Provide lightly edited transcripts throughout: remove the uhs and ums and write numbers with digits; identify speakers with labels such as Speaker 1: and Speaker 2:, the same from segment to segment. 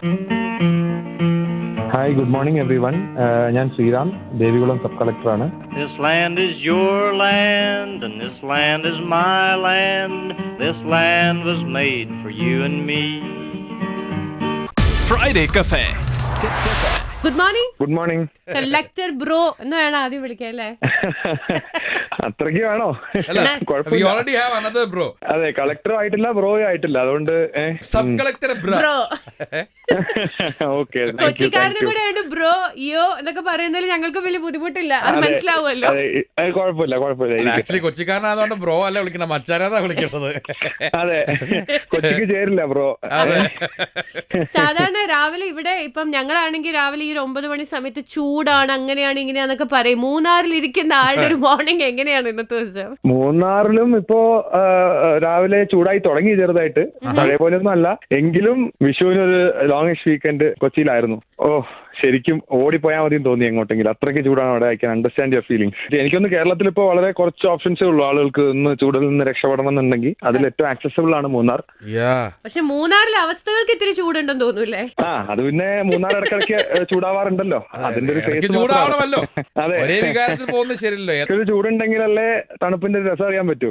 Speaker 1: Hi, good morning everyone. ഞാൻ Sreeram, Devikulam sub കളക്ടറാണ്.
Speaker 2: This land is your land and this land is my land. This land was made for you and me.
Speaker 3: Friday Cafe.
Speaker 4: Good morning.
Speaker 1: Good morning.
Speaker 4: Collector bro എന്ന് വേണം ആദ്യം വിളിക്കാൻ അല്ലേ?
Speaker 1: അത്രയ്ക്ക് വേണോ? അതെ, കളക്ടറും ആയിട്ടില്ല, ബ്രോയും ആയിട്ടില്ല, അതുകൊണ്ട്
Speaker 3: സബ് കളക്ടർ
Speaker 4: ബ്രോ.
Speaker 1: ഓക്കെ.
Speaker 4: കൊച്ചിക്കാരനും കൂടെ ആയിട്ട് ബ്രോ യോ എന്നൊക്കെ പറയുന്നതിൽ ഞങ്ങൾക്ക് വലിയ ബുദ്ധിമുട്ടില്ല, അത് മനസ്സിലാവുമല്ലോ.
Speaker 1: കുഴപ്പമില്ല.
Speaker 3: ആക്ച്വലി കൊച്ചിക്കാരനായതുകൊണ്ട് ബ്രോ അല്ല വിളിക്കണം, മച്ചാനാ വിളിക്കുന്നത്.
Speaker 1: അതെ, കൊച്ചിക്ക് ചേരില്ല ബ്രോ.
Speaker 4: സാധാരണ രാവിലെ ഇവിടെ ഇപ്പം ഞങ്ങളാണെങ്കിൽ രാവിലെ ഈ 9 മണി സമയത്ത് ചൂടാണ്, അങ്ങനെയാണ് ഇങ്ങനെയാന്നൊക്കെ പറയും. മൂന്നാറിൽ ഇരിക്കുന്ന ആളുടെ ഒരു മോർണിംഗ് എങ്ങനെയാണ് ഇന്നത്തെ ദിവസം?
Speaker 1: മൂന്നാറിലും ഇപ്പോ രാവിലെ ചൂടായി തുടങ്ങി ചെറുതായിട്ട്, പഴയ പോലെ ഒന്നും അല്ല. എങ്കിലും വിഷുവിനൊരു ലോങ്ങിഷ് വീക്കെൻഡ് കൊച്ചിയിലായിരുന്നു. ശരിക്കും ഓടിപ്പോയാൽ മതി തോന്നി എങ്ങോട്ടെങ്കിലും, അത്രയ്ക്ക് ചൂടാണ് അവിടെ. I can understand your feelings. എനിക്കൊന്ന് കേരളത്തിൽ ഇപ്പോൾ വളരെ കുറച്ച് ഓപ്ഷൻസേ ഉള്ളൂ ആളുകൾക്ക് ഒന്ന് ചൂടിൽ നിന്ന് രക്ഷപ്പെടണം എന്നുണ്ടെങ്കിൽ. അതിൽ ഏറ്റവും ആക്സസിബിൾ ആണ് മൂന്നാർ.
Speaker 4: പക്ഷെ മൂന്നാറിലെ അവസ്ഥകൾക്ക് ഇത്തിരി ചൂടുണ്ടെന്ന് തോന്നൂല്ലേ?
Speaker 1: അത് പിന്നെ മൂന്നാർ ഇടയ്ക്കിടയ്ക്ക് ചൂടാവാറുണ്ടല്ലോ, അതിന്റെ ഒരു ഫേസ്. അതെ, ഒരു ചൂടുണ്ടെങ്കിലല്ലേ തണുപ്പിന്റെ രസം അറിയാൻ പറ്റൂ.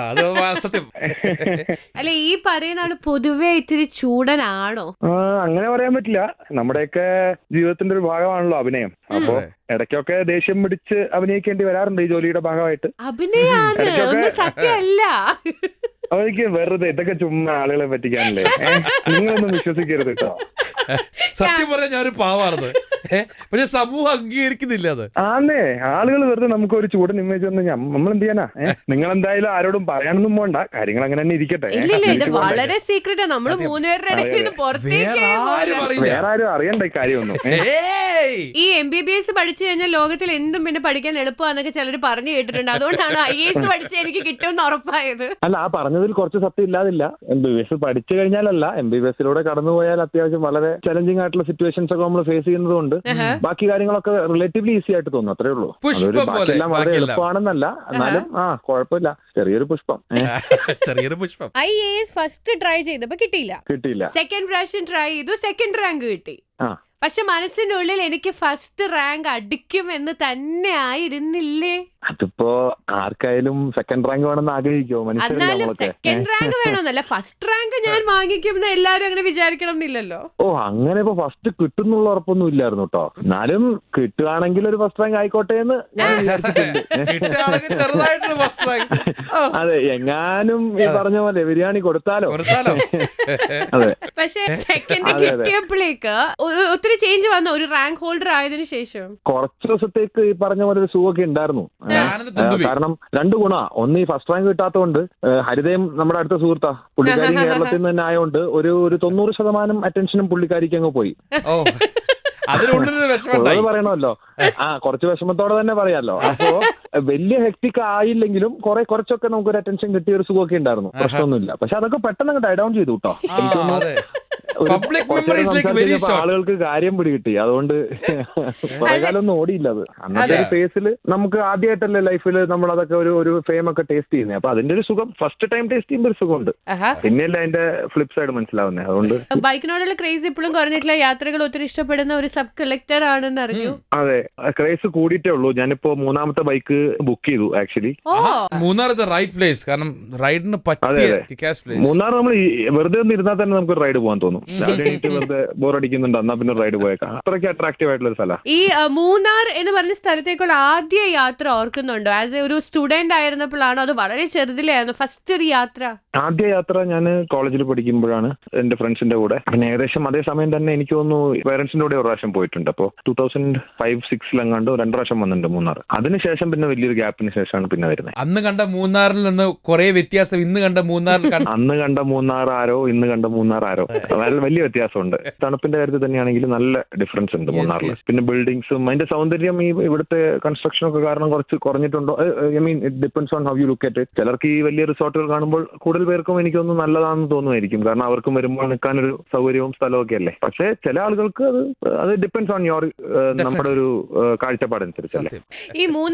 Speaker 4: അല്ലെ, ഈ പറയുന്ന ആള് പൊതുവെ ഇത്തിരി ചൂടനാണോ?
Speaker 1: അങ്ങനെ പറയാൻ പറ്റില്ല. നമ്മുടെയൊക്കെ ജീവിതത്തിന്റെ ഒരു ഭാഗമാണല്ലോ അഭിനയം. അപ്പോ ഇടയ്ക്കൊക്കെ ദേഷ്യം പിടിച്ച് അഭിനയിക്കേണ്ടി വരാറുണ്ട് ഈ ജോലിയുടെ ഭാഗമായിട്ട്.
Speaker 4: അഭിനയാണ്, ഒന്നും സത്യമല്ല.
Speaker 1: അവർക്ക് വെറുതെ ഇതൊക്കെ ചുമ്മാ ആളുകളെ പറ്റിക്കാനല്ലേ. നിങ്ങളൊന്നും വിശ്വസിക്കരുത് കേട്ടോ.
Speaker 3: സത്യം പറയാൻ ഞാനൊരു പാവാണത്, പക്ഷെ സമൂഹം അംഗീകരിക്കുന്നില്ല അത്.
Speaker 1: ആന്നേ, ആളുകൾ വെറുതെ നമുക്ക് ഒരു ചൂടൻ ഇമേജ് വന്ന് നമ്മൾ എന്ത് ചെയ്യാനാ? നിങ്ങൾ എന്തായാലും ആരോടും പറയാനൊന്നും പോണ്ട, കാര്യങ്ങൾ അങ്ങനെ തന്നെ ഇരിക്കട്ടെ.
Speaker 4: ഇത് വളരെ സീക്രട്ടാ, നമ്മള് മൂന്നുപേരുടെ വേറെ
Speaker 1: ആരും അറിയണ്ട ഈ കാര്യമൊന്നും.
Speaker 4: ഈ MBBS പഠിച്ചു കഴിഞ്ഞാൽ ലോകത്തിൽ എന്തും പിന്നെ പഠിക്കാൻ എളുപ്പമാന്നൊക്കെ ചിലർ പറഞ്ഞു കേട്ടിട്ടുണ്ട്. അതുകൊണ്ടാണ് IAS പഠിച്ച് എനിക്ക് കിട്ടുമെന്ന് ഉറപ്പായത്.
Speaker 1: അല്ല, ആ പറഞ്ഞതിൽ കുറച്ച് സത്യം ഇല്ലാതില്ല. MBBS പഠിച്ചു കഴിഞ്ഞാലല്ല, MBBSലൂടെ കടന്നുപോയാൽ അത്യാവശ്യം വളരെ ചലഞ്ചിങ് ആയിട്ടുള്ള സിറ്റുവേഷൻസ് ഒക്കെ നമ്മൾ ഫേസ് ചെയ്യുന്നതുകൊണ്ട് ബാക്കി കാര്യങ്ങളൊക്കെ റിലേറ്റീവ്ലി ഈസി ആയിട്ട് തോന്നും, അത്രേ ഉള്ളൂ. ബാക്കിയെല്ലാം വളരെ എളുപ്പമാണെന്നല്ല, എന്നാലും കുഴപ്പമില്ല, ചെറിയൊരു പുഷ്പം.
Speaker 4: IAS ഫസ്റ്റ് ട്രൈ ചെയ്തപ്പോ കിട്ടിയില്ല. സെക്കൻഡ് പ്രാവശ്യം ട്രൈ ചെയ്തു, സെക്കൻഡ് റാങ്ക് കിട്ടി. പക്ഷെ മനസ്സിന്റെ ഉള്ളിൽ എനിക്ക് ഫസ്റ്റ് റാങ്ക് അടിക്കും എന്ന് തന്നെ ആയിരുന്നില്ലേ?
Speaker 1: അതിപ്പോ ആർക്കായാലും സെക്കൻഡ് റാങ്ക് വേണമെന്ന് ആഗ്രഹിക്കുമോ?
Speaker 4: എന്നാലും സെക്കൻഡ് റാങ്ക് വേണമെന്നല്ല, ഫസ്റ്റ് റാങ്ക് ഞാൻ വാങ്ങിക്കും എന്ന് എല്ലാരും അങ്ങനെ വിചാരിക്കണം എന്നില്ലല്ലോ.
Speaker 1: അങ്ങനെ ഇപ്പൊ ഫസ്റ്റ് കിട്ടുന്നുള്ള ഉറപ്പൊന്നും ഇല്ലായിരുന്നു കേട്ടോ. എന്നാലും കിട്ടുകയാണെങ്കിൽ ഒരു ഫസ്റ്റ് റാങ്ക് ആയിക്കോട്ടെ എന്ന് ഞാൻ വിചാരിച്ചിട്ടുണ്ട്. അതെ, എങ്ങാനും ഈ പറഞ്ഞ പോലെ ബിരിയാണി കൊടുത്താലോ. അതെ,
Speaker 4: പക്ഷെ സെക്കൻഡ് കിട്ടിയപ്പോഴേക്ക് ഒത്തിരി ചേഞ്ച് വന്നു ഒരു റാങ്ക് ഹോൾഡർ ആയതിനു ശേഷം.
Speaker 1: കുറച്ച് ദിവസത്തേക്ക് ഈ പറഞ്ഞ പോലെ ഒരു സുഖമൊക്കെ ഉണ്ടായിരുന്നു. കാരണം രണ്ടു ഗുണ. ഒന്ന്, ഈ ഫസ്റ്റ് റാങ്ക് കിട്ടാത്തതുകൊണ്ട് ഹരിതയും നമ്മുടെ അടുത്ത സുഹൃത്താ, പുള്ളിക്കാരി കേരളത്തിൽ നിന്ന് തന്നെ ആയതുകൊണ്ട് ഒരു 90% അറ്റൻഷനും പുള്ളിക്കാരിക്ക് അങ്ങ് പോയി. പറയണമല്ലോ, കുറച്ച് വിഷമത്തോടെ തന്നെ പറയാലോ. അപ്പോ വലിയ ഹെക്ടിക് ആയില്ലെങ്കിലും കുറച്ചൊക്കെ നമുക്കൊരു അറ്റൻഷൻ കിട്ടിയ ഒരു സുഖമൊക്കെ ഉണ്ടായിരുന്നു, പ്രശ്നമൊന്നുമില്ല. പക്ഷെ അതൊക്കെ പെട്ടെന്ന് ഡൈ ഡൗൺ ചെയ്തു കേട്ടോ. ആളുകൾക്ക് കാര്യം പിടികിട്ടി, അതുകൊണ്ട് കുറെ കാലം ഒന്നും ഓടിയില്ല അത്. അന്നത്തെ ഒരു ഫേസിൽ നമുക്ക് ആദ്യമായിട്ടല്ലേ ലൈഫിൽ നമ്മൾ അതൊക്കെ ഒരു ഫെയിം ഒക്കെ ടേസ്റ്റ് ചെയ്യുന്നത്. അപ്പൊ അതിന്റെ ഒരു സുഖം ഫസ്റ്റ് ടൈം ടേസ്റ്റ് ചെയ്യുമ്പോൾ ഒരു സുഖമുണ്ട്, പിന്നെയല്ല അതിന്റെ ഫ്ലിപ്പ് സൈഡ് മനസ്സിലാവുന്നത്. അതുകൊണ്ട്
Speaker 4: ബൈക്കിനോടുള്ള ക്രേസ് ഇപ്പോഴും കുറഞ്ഞിട്ടില്ല, യാത്രകൾ ഒത്തിരി ഇഷ്ടപ്പെടുന്ന ഒരു സബ് കളക്ടർ ആണെന്ന് അറിഞ്ഞു.
Speaker 1: അതെ, ക്രേസ് കൂടിയിട്ടേ ഉള്ളൂ. ഞാനിപ്പോ 3ാമത്തെ ബൈക്ക് ബുക്ക് ചെയ്തു ആക്ച്വലി.
Speaker 3: മൂന്നാർ റൈറ്റ് പ്ലേസ്, കാരണം റൈഡിന്
Speaker 1: മൂന്നാർ നമ്മൾ വെറുതെ ഒന്ന് ഇരുന്നാൽ തന്നെ നമുക്ക് റൈഡ് പോകാൻ തോന്നും. വെറുതെ ബോറടിക്കുന്നുണ്ട്, എന്നാ പിന്നെ റൈഡ് പോയേക്കാം. അത്രയ്ക്ക് അട്രാക്റ്റീവ് ആയിട്ടുള്ള ഒരു സ്ഥലം.
Speaker 4: ഈ മൂന്നാർ എന്ന് പറഞ്ഞ സ്ഥലത്തേക്കുള്ള ആദ്യ യാത്ര ഓർക്കുന്നുണ്ടോ? ആസ് എ ഒരു സ്റ്റുഡന്റ് ആയിരുന്നപ്പോഴാണോ അത് വളരെ ചെറുതിലായിരുന്നു ഫസ്റ്റ് ഒരു യാത്ര?
Speaker 1: ആദ്യ യാത്ര ഞാൻ കോളേജിൽ പഠിക്കുമ്പോഴാണ് എന്റെ ഫ്രണ്ട്സിന്റെ കൂടെ. പിന്നെ ഏകദേശം അതേ സമയം തന്നെ എനിക്ക് തോന്നുന്നു പേരൻസിന്റെ കൂടെ ഒരു പ്രാവശ്യം പോയിട്ടുണ്ട്. അപ്പോൾ 2005-06 എങ്ങാണ്ട് 2 പ്രാവശ്യം വന്നിട്ടുണ്ട് മൂന്നാർ. അതിനുശേഷം പിന്നെ വലിയൊരു ഗ്യാപ്പിന് ശേഷമാണ് പിന്നെ വരുന്നത്.
Speaker 3: അന്ന് കണ്ട മൂന്നാറിൽ നിന്ന് കുറെ വ്യത്യാസം ഇന്ന് കണ്ട മൂന്നാറിൽ.
Speaker 1: അന്ന് കണ്ട മൂന്നാർ ആരോ ഇന്ന് കണ്ട മൂന്നാർ ആരോ, വലിയ വ്യത്യാസമുണ്ട്. തണുപ്പിന്റെ കാര്യത്തിൽ തന്നെയാണെങ്കിൽ നല്ല ഡിഫറൻസ് ഉണ്ട് മൂന്നാറിൽ. പിന്നെ ബിൽഡിങ്സും അതിന്റെ സൗന്ദര്യം ഈ ഇവിടുത്തെ കൺസ്ട്രക്ഷൻ ഒക്കെ കാരണം കുറച്ച് കുറഞ്ഞിട്ടുണ്ടോ? I mean it depends on how you look at it. ചിലർക്ക് ഈ വലിയ റിസോർട്ടുകൾ കാണുമ്പോൾ കൂടുതൽ പേർക്കും എനിക്കൊന്നും നല്ലതാണെന്ന് തോന്നുമായിരിക്കും, കാരണം അവർക്കും വരുമ്പോൾ നിൽക്കാനൊരു സൗകര്യവും സ്ഥലവും ഒക്കെ അല്ലേ. പക്ഷെ ചില ആളുകൾക്ക് അത് ഡിപ്പെൻഡ്സ് ഓൺ യുവർ നമ്മുടെ ഒരു കാഴ്ചപ്പാടനുസരിച്ചല്ലേ.
Speaker 4: ഈ മൂന്നാറിൽ ഈ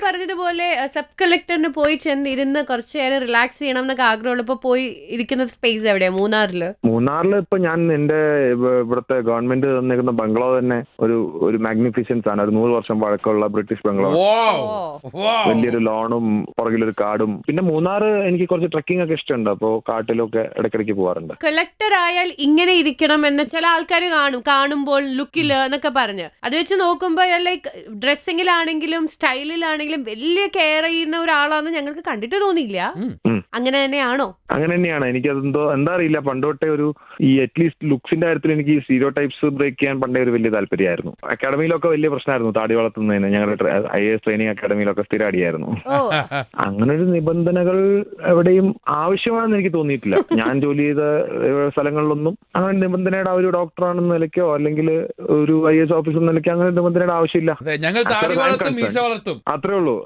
Speaker 4: പറഞ്ഞതുപോലെ സബ് കളക്ടറിന് പോയി ചെന്നിരുന്ന് കുറച്ചു നേരം റിലാക്സ് ചെയ്യണം എന്നൊക്കെ ആഗ്രഹമുള്ളപ്പോ പോയി ഇരിക്കുന്ന സ്പേസ് എവിടെയാ? മൂന്നാറില്
Speaker 1: ഇപ്പൊ ഞാൻ എന്റെ ഇവിടുത്തെ ഗവൺമെന്റ് തന്നിരിക്കുന്ന ബംഗ്ലാവ് തന്നെ ഒരു മാഗ്നിഫിഷ്യൻസ് ആണ്. ഒരു 100 വർഷം പഴക്കമുള്ള ബ്രിട്ടീഷ് ബംഗ്ലാവ്. വലിയൊരു ലോണും പുറകിലൊരു കാടും. പിന്നെ മൂന്നാർ എനിക്ക് കുറച്ച് ട്രക്കിംഗ് ഒക്കെ ഇഷ്ടമുണ്ട്. അപ്പോ കാട്ടിലൊക്കെ ഇടയ്ക്കിടയ്ക്ക് പോകാറുണ്ട്.
Speaker 4: കളക്ടർ ആയാൽ ഇങ്ങനെ ഇരിക്കണം എന്ന് ചില ആൾക്കാർ കാണുമ്പോൾ ലുക്കില് എന്നൊക്കെ പറഞ്ഞ് അത് വെച്ച് നോക്കുമ്പോ ലൈക്ക് ഡ്രസ്സിങ്ങിലാണെങ്കിലും സ്റ്റൈലിലാണെങ്കിലും വലിയ കെയർ ചെയ്യുന്ന ഒരാളാന്ന് ഞങ്ങൾക്ക് കണ്ടിട്ട് തോന്നിയില്ല. അങ്ങനെ തന്നെയാണോ?
Speaker 1: അങ്ങനെ തന്നെയാണ്. എനിക്ക് അതെന്തോ എന്താ അറിയില്ല, പണ്ടോട്ടെ ഒരു ഈ അറ്റ്ലീസ്റ്റ് ലുക്സിന്റെ കാര്യത്തിൽ എനിക്ക് ഈ സ്റ്റീരിയോ ടൈപ്സ് ബ്രേക്ക് ചെയ്യാൻ പണ്ടേ ഒരു വലിയ താല്പര്യമായിരുന്നു. അക്കാഡമിയിലൊക്കെ വലിയ പ്രശ്നമായിരുന്നു താടി വളർത്തുന്നതിന്. ഞങ്ങളുടെ IAS ട്രെയിനിങ് അക്കാഡമിയിലൊക്കെ സ്ഥിരം അടിയായിരുന്നു. അങ്ങനെ ഒരു നിബന്ധനകൾ എവിടെയും ആവശ്യമാണെന്ന് എനിക്ക് തോന്നിയിട്ടില്ല. ഞാൻ ജോലി ചെയ്ത സ്ഥലങ്ങളിലൊന്നും അങ്ങനെ നിബന്ധനയുടെ ഒരു ഡോക്ടറാണെന്ന നിലയ്ക്കോ അല്ലെങ്കിൽ ഒരു IAS ഓഫീസർ എന്ന നിലയ്ക്കോ അങ്ങനെ നിബന്ധനയുടെ ആവശ്യമില്ല. അത്രേ ഉള്ളൂ.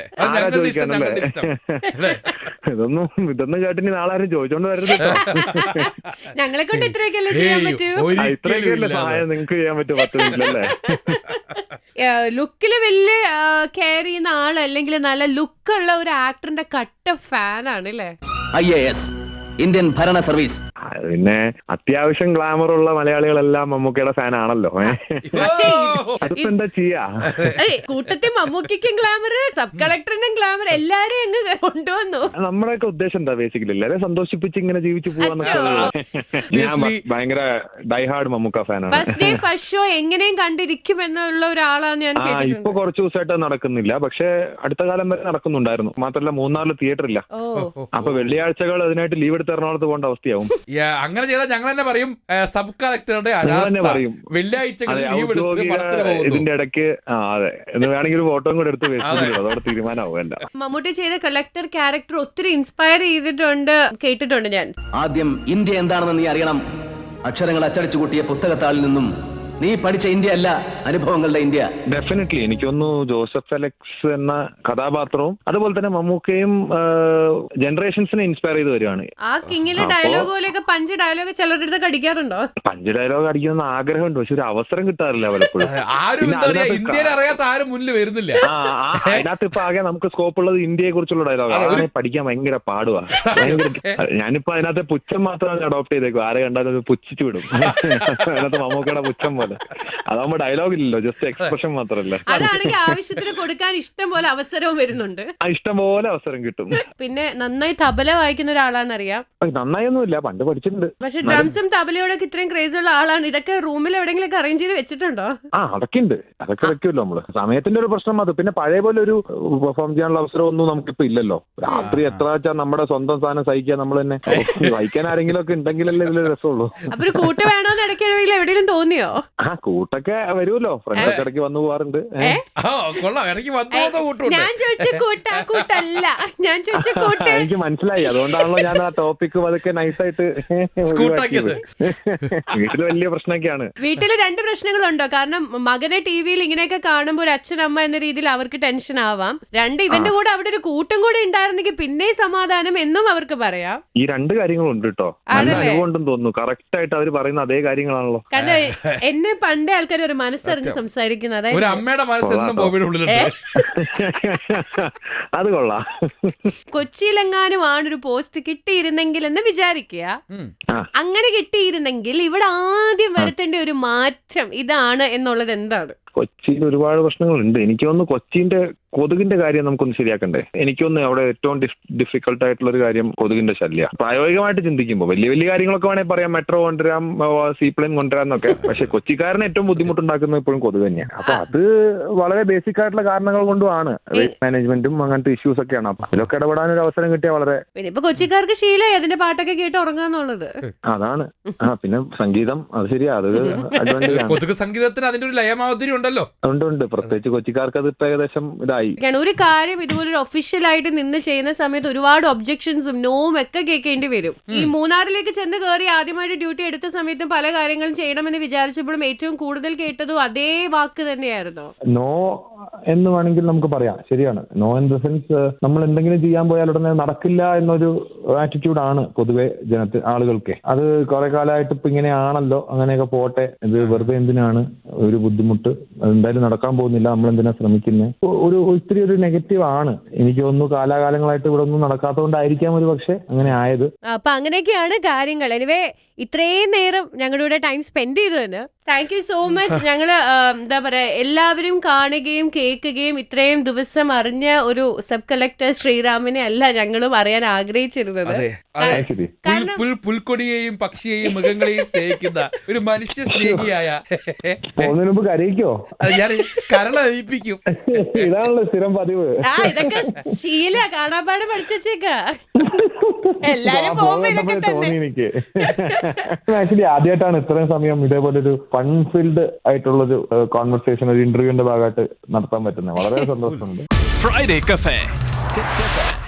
Speaker 1: ഇതൊന്നും കേട്ടിനി നാളാരും ചോദിച്ചോണ്ട് വരരുത്.
Speaker 4: ഞങ്ങളെ കൊണ്ട് ഇത്രയൊക്കെയല്ലേ ചെയ്യാൻ പറ്റൂ.
Speaker 1: ഇത്രയൊക്കെയല്ലേ സഹായം നിങ്ങൾക്ക് ചെയ്യാൻ പറ്റും 10 മിനിറ്റിലല്ലേ?
Speaker 4: ലുക്കില് വലിയ കെയർ ചെയ്യുന്ന ആളല്ലെങ്കിൽ നല്ല ലുക്കുള്ള ഒരു ആക്ടറിന്റെ കട്ട ഫാനാണ് അല്ലേ?
Speaker 5: IAS ഇന്ത്യൻ ഭരണ സർവീസ്.
Speaker 1: പിന്നെ അത്യാവശ്യം ഗ്ലാമർ ഉള്ള മലയാളികളെല്ലാം മമ്മൂക്കയുടെ ഫാൻ ആണല്ലോ. അതിപ്പോ എന്താ ചെയ്യാ?
Speaker 4: കൂട്ടത്തിൽ മമ്മൂക്കും ഗ്ലാമർ, സബ് കളക്ടറിനും ഗ്ലാമർ, എല്ലാരും അങ്ങ് കൊണ്ടുവന്നു.
Speaker 1: നമ്മുടെയൊക്കെ ഉദ്ദേശം എന്താ ബേസിക്കലി എല്ലാവരെയും സന്തോഷിപ്പിച്ച് ഇങ്ങനെ ജീവിച്ചു പോവാന്നൊക്കെ. ഞാൻ ഭയങ്കര ഡൈഹാർഡ് മമ്മൂക്ക ഫാനാണ്.
Speaker 4: ഫസ്റ്റ് ഡേ ഫസ്റ്റ് ഷോ എങ്ങനെയും കണ്ടിരിക്കും എന്നുള്ള ഒരാളാണ് ഞാൻ.
Speaker 1: ഇപ്പൊ കുറച്ച് ദിവസമായിട്ട് നടക്കുന്നില്ല, പക്ഷെ അടുത്ത കാലം വരെ നടക്കുന്നുണ്ടായിരുന്നു. മാത്രമല്ല മൂന്നാറിൽ തിയേറ്റർ ഇല്ല. അപ്പൊ വെള്ളിയാഴ്ചകൾ അതിനായിട്ട് ലീവ് എടുത്ത് എറണാകുളത്ത് പോകേണ്ട അവസ്ഥയാവും.
Speaker 3: അങ്ങനെ ചെയ്താൽ ഞങ്ങൾ തന്നെ പറയും സബ് കളക്ടറുടെ വെള്ളിയാഴ്ചകളിൽ ലീവ് എടുത്ത്
Speaker 1: ഇതിന്റെ ഇടയ്ക്ക്. അതെ, എന്ന് വേണമെങ്കിൽ ഒരു ഫോട്ടോ കൂടെ എടുത്ത് അതോടെ തീരുമാനമാവും. എന്റെ
Speaker 4: മമ്മൂട്ടി ചെയ്ത കളക്ടർ ക്യാരക്ടർ ഒത്തിരി ഇൻസ്പയർ ചെയ്തിട്ടുണ്ട്, കേട്ടിട്ടുണ്ട് ഞാൻ.
Speaker 5: ആദ്യം ഇന്ത്യ എന്താണെന്ന് നീ അറിയണം. അക്ഷരങ്ങൾ അച്ചടിച്ചു കൂട്ടിയ പുസ്തകത്താളിൽ നിന്നും നീ പഠിച്ച ഇന്ത്യ അല്ല, അനുഭവങ്ങളുടെ ഇന്ത്യ.
Speaker 1: ഡെഫിനറ്റ്ലി എനിക്ക് തോന്നുന്നു ജോസഫ് അലക്സ് എന്ന കഥാപാത്രവും അതുപോലെ തന്നെ മമ്മൂക്കയും ജനറേഷൻസിനെ ഇൻസ്പയർ ചെയ്ത് വരികയാണ്.
Speaker 4: ആ കിങ്ങിലെ ഡയലോഗ് പോലെയൊക്കെ പഞ്ച് ഡയലോഗ് ചിലരുടെ അടുത്ത് അടിക്കാറുണ്ടോ?
Speaker 1: പഞ്ച് ഡയലോഗ് അടിക്കുന്ന ആഗ്രഹമുണ്ട്, പക്ഷെ ഒരു അവസരം കിട്ടാറില്ല പലപ്പോഴും.
Speaker 3: ഇന്ത്യയിൽ അറിയാത്ത ആരും മുന്നിൽ വരുന്നില്ല.
Speaker 1: അതിനകത്ത് ഇപ്പൊ ആകെ നമുക്ക് സ്കോപ്പ് ഉള്ളത് ഇന്ത്യയെ കുറിച്ചുള്ള ഡയലോഗ് പഠിക്കാൻ ഭയങ്കര പാടുവാ. ഞാനിപ്പോ അതിനകത്ത് പുച്ഛം മാത്രമാണ് അഡോപ്റ്റ് ചെയ്തേക്കും. ആരെ കണ്ടാലും പുച്ഛിച്ചു വിടും. അതിനകത്ത് മമ്മൂക്കയുടെ പുച്ഛം പോലെ. അതാവുമ്പോ ഡയലോഗ് ഇല്ലല്ലോ, ജസ്റ്റ് എക്സ്പ്രഷൻ മാത്രല്ലേ.
Speaker 4: അതാണെങ്കിൽ ആവശ്യത്തിന് കൊടുക്കാൻ ഇഷ്ടം പോലെ അവസരവും വരുന്നുണ്ട്.
Speaker 1: ഇഷ്ടം പോലെ അവസരം കിട്ടും.
Speaker 4: പിന്നെ നന്നായി തബല വായിക്കുന്ന ഒരാളാന്നറിയാം.
Speaker 1: നന്നായൊന്നുമില്ല, പണ്ട് പഠിച്ചിട്ടുണ്ട്.
Speaker 4: പക്ഷെ ഡ്രംസും തബലയോടൊക്കെ ഇത്രയും ക്രേസ് ഉള്ള ആളാണ്. ഇതൊക്കെ റൂമിൽ എവിടെയെങ്കിലും അറേഞ്ച് ചെയ്ത് വെച്ചിട്ടുണ്ടോ?
Speaker 1: അതൊക്കെ ഉണ്ട്, അതൊക്കെ വെക്കുമല്ലോ നമ്മള്. സമയത്തിന്റെ ഒരു പ്രശ്നം അത്. പിന്നെ പഴയ പോലെ ഒരു പെർഫോം ചെയ്യാനുള്ള അവസരം ഒന്നും നമുക്കിപ്പോ ഇല്ലല്ലോ. രാത്രി എത്ര വെച്ചാൽ നമ്മുടെ സ്വന്തം സാധനം സഹിക്കാൻ നമ്മൾ തന്നെ. സഹിക്കാൻ ആരെങ്കിലും ഒക്കെ ഉണ്ടെങ്കിലല്ലേ ഇതിൽ രസമുള്ളൂ.
Speaker 4: അപ്പൊ ഒരു കൂട്ട് വേണോന്ന് ഇടയ്ക്ക് എവിടെയെങ്കിലും തോന്നിയോ?
Speaker 1: കൂട്ടൊക്കെ വരുമല്ലോ, ഫ്രണ്ട്സൊക്കെ ഇടയ്ക്ക് വന്നു പോവാറുണ്ട്.
Speaker 4: ഞാൻ ചോദിച്ച കൂട്ടല്ല, ഞാൻ ചോദിച്ച കൂട്ട്.
Speaker 1: എനിക്ക് മനസ്സിലായി, അതുകൊണ്ടാണല്ലോ ഞാൻ ആ ടോപ്പിക്ക് അതൊക്കെ നൈസായിട്ട്. വീട്ടില് വലിയ പ്രശ്നമൊക്കെയാണ്.
Speaker 4: വീട്ടില് 2 പ്രശ്നങ്ങളുണ്ടോ? കാരണം മകനെ ടിവിയിൽ ഇങ്ങനെയൊക്കെ കാണുമ്പോൾ ഒരു അച്ഛനമ്മ എന്ന രീതിയിൽ അവർക്ക് ടെൻഷൻ ആവാം. 2 ഇവന്റെ കൂടെ അവിടെ ഒരു കൂട്ടും കൂടെ ഉണ്ടായിരുന്നെങ്കിൽ പിന്നെ സമാധാനം എന്നും അവർക്ക് പറയാം.
Speaker 1: ഈ 2 കാര്യങ്ങളുണ്ട് കേട്ടോ. അനുഭവം തോന്നുന്നു. കറക്റ്റ് ആയിട്ട് അവർ പറയുന്ന അതേ കാര്യങ്ങളാണല്ലോ.
Speaker 4: കാരണം എന്നെ പണ്ടേ ആൾക്കാർ ഒരു മനസ്സറിഞ്ഞ് സംസാരിക്കുന്നത്.
Speaker 3: ഒരു അമ്മയുടെ മനസ്സെന്നും
Speaker 1: അത് കൊള്ളാം.
Speaker 4: കൊച്ചിയിലെങ്ങാനും ആണൊരു പോസ്റ്റ് കിട്ടിയിരുന്നെങ്കിൽ എന്ന് വിചാരിക്കുക. അങ്ങനെ കിട്ടിയിരുന്നെങ്കിൽ ഇവിടെ ആദ്യം വരുത്തേണ്ട ഒരു മാറ്റം ഇതാണ് എന്നുള്ളത് എന്താണ്?
Speaker 1: കൊച്ചിയിൽ ഒരുപാട് പ്രശ്നങ്ങളുണ്ട്. എനിക്ക് തോന്നുന്നു കൊച്ചിന്റെ കൊതുകിന്റെ കാര്യം നമുക്കൊന്ന് ശരിയാക്കണ്ടേ. എനിക്കൊന്ന് അവിടെ ഏറ്റവും ഡിഫിക്കൽട്ട് ആയിട്ടുള്ള ഒരു കാര്യം കൊതുകിന്റെ ശല്യം. പ്രായോഗികമായിട്ട് ചിന്തിക്കുമ്പോൾ വലിയ വലിയ കാര്യങ്ങളൊക്കെ വേണമെങ്കിൽ പറയാം, മെട്രോ കൊണ്ടുവരാം, സീപ്ലെയിൻ കൊണ്ടുവരാന്നൊക്കെ. പക്ഷെ കൊച്ചിക്കാരന് ഏറ്റവും ബുദ്ധിമുട്ടുണ്ടാക്കുന്നത് ഇപ്പോഴും കൊതുക് തന്നെയാണ്. അപ്പൊ അത് വളരെ ബേസിക് ആയിട്ടുള്ള കാരണങ്ങൾ കൊണ്ടുമാണ്. വേസ്റ്റ് മാനേജ്മെന്റും അങ്ങനത്തെ ഇഷ്യൂസ് ഒക്കെയാണ്. അപ്പൊ അതിലൊക്കെ ഇടപെടാൻ ഒരു അവസരം കിട്ടിയാൽ വളരെ.
Speaker 4: പിന്നെ ഇപ്പൊ കൊച്ചിക്കാർക്ക് ശീലമായി അതിന്റെ പാട്ടൊക്കെ കേട്ട് ഉറങ്ങാന്നുള്ളത്.
Speaker 1: അതാണ്. പിന്നെ സംഗീതം, അത് ശരിയാ, അത്
Speaker 3: കൊതുക് സംഗീതത്തിന് അതിന്റെ ഒരു ലയമാതിരി ഉണ്ടല്ലോ.
Speaker 1: ഉണ്ട്. പ്രത്യേകിച്ച് കൊച്ചിക്കാർക്ക് അത് ഇപ്പൊ ഏകദേശം ഇതായി.
Speaker 4: ഒരു കാര്യം ഇതുപോലൊരു ഒഫീഷ്യലായിട്ട് നിന്ന് ചെയ്യുന്ന സമയത്ത് ഒരുപാട് ഒബ്ജക്ഷൻസും നോവും ഒക്കെ കേൾക്കേണ്ടി വരും. ഈ മൂന്നാറിലേക്ക് ചെന്ന് കയറി ആദ്യമായിട്ട് ഡ്യൂട്ടി എടുത്ത സമയത്തും പല കാര്യങ്ങളും ചെയ്യണമെന്ന് വിചാരിച്ചപ്പോഴും ഏറ്റവും കൂടുതൽ കേട്ടതും അതേ വാക്ക് തന്നെയായിരുന്നു.
Speaker 1: നോ എന്ന് വേണമെങ്കിൽ നമുക്ക് പറയാം. ശരിയാണ്. നോ ഇൻ ദ സെൻസ് നമ്മൾ എന്തെങ്കിലും ചെയ്യാൻ പോയാൽ ഉടനെ നടക്കില്ല എന്നൊരു ആറ്റിറ്റ്യൂഡാണ് പൊതുവെ ആളുകൾക്ക്. അത് കുറെ കാലമായിട്ട് ഇപ്പൊ ഇങ്ങനെയാണല്ലോ, അങ്ങനെയൊക്കെ പോട്ടെ, ഇത് വെറുതെ എന്തിനാണ് ഒരു ബുദ്ധിമുട്ട്, എന്തായാലും നടക്കാൻ പോകുന്നില്ല, നമ്മൾ എന്തിനാ ശ്രമിക്കുന്നത്, ഇത്തിരി ഒരു നെഗറ്റീവ് ആണ്. എനിക്ക് തോന്നുന്നു കാലാകാലങ്ങളായിട്ട് ഇവിടെ ഒന്നും നടക്കാത്തതുകൊണ്ടായിരിക്കാം ഒരു പക്ഷെ അങ്ങനെ ആയത്.
Speaker 4: അപ്പൊ അങ്ങനെയൊക്കെയാണ് കാര്യങ്ങൾ. എനിവേ ഇത്രയും നേരം ഞങ്ങളുടെ കൂടെ ടൈം സ്പെൻഡ് ചെയ്തതിന് താങ്ക് യു സോ മച്ച്. ഞങ്ങള് എന്താ പറയാ, എല്ലാവരും കാണുകയും കേൾക്കുകയും ഇത്രയും ദിവസം അറിഞ്ഞ ഒരു സബ് കളക്ടർ ശ്രീറാമിനെ അല്ല ഞങ്ങളും അറിയാൻ ആഗ്രഹിച്ചിരുന്നത്.
Speaker 3: പുൽക്കൊടിയെയും പക്ഷിയെയും മൃഗങ്ങളെയും സ്നേഹിക്കുന്ന ഒരു മനുഷ്യ സ്നേഹിയായ
Speaker 1: കരയിക്കോ
Speaker 3: ഞാൻ കരളയിപ്പിക്കും.
Speaker 1: ഇതാണല്ലോ സ്ഥിരം പതിവ്.
Speaker 4: ഇതൊക്കെ ശീല കാണാപ്പാട് പഠിച്ചേക്ക എല്ലാരും പോകുമ്പോ ഇതൊക്കെ തന്നെ.
Speaker 1: ആക്ച്വലി ആദ്യമായിട്ടാണ് ഇത്രയും സമയം ഇതേപോലെ ഒരു ഫൺ ഫീൽഡ് ആയിട്ടുള്ളൊരു കോൺവെർസേഷൻ ഒരു ഇന്റർവ്യൂവിന്റെ ഭാഗമായിട്ട് നടത്താൻ പറ്റുന്നത്. വളരെ സന്തോഷമുണ്ട്.
Speaker 6: Friday Cafe.